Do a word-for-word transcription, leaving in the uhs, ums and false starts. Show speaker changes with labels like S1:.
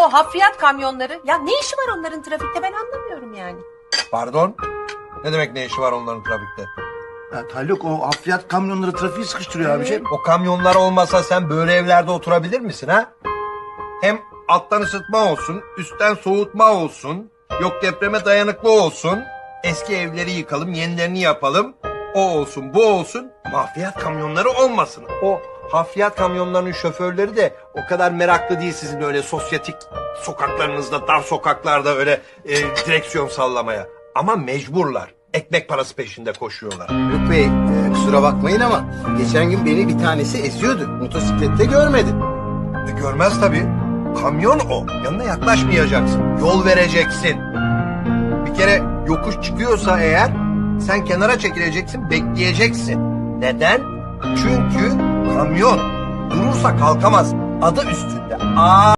S1: o hafriyat kamyonları. Ya ne işi var onların trafikte, ben anlamıyorum yani.
S2: Pardon? Ne demek ne işi var onların trafikte?
S3: Ya Haluk, o hafriyat kamyonları trafiği sıkıştırıyor abiciğim.
S2: O kamyonlar olmasa sen böyle evlerde oturabilir misin ha? Hem alttan ısıtma olsun, üstten soğutma olsun, yok depreme dayanıklı olsun, eski evleri yıkalım, yenilerini yapalım, o olsun, bu olsun, hafriyat kamyonları olmasın. O hafriyat kamyonlarının şoförleri de o kadar meraklı değil sizin öyle sosyetik sokaklarınızda, dar sokaklarda öyle e, direksiyon sallamaya. Ama mecburlar. Ekmek parası peşinde koşuyorlar.
S4: Haluk Bey, e, kusura bakmayın ama geçen gün beni bir tanesi eziyordu. Motosiklette görmedim.
S2: E, görmez tabii. Kamyon o. Yanına yaklaşmayacaksın. Yol vereceksin. Bir kere yokuş çıkıyorsa eğer sen kenara çekileceksin, bekleyeceksin. Neden? Çünkü kamyon durursa kalkamaz. Adı üstünde. Aa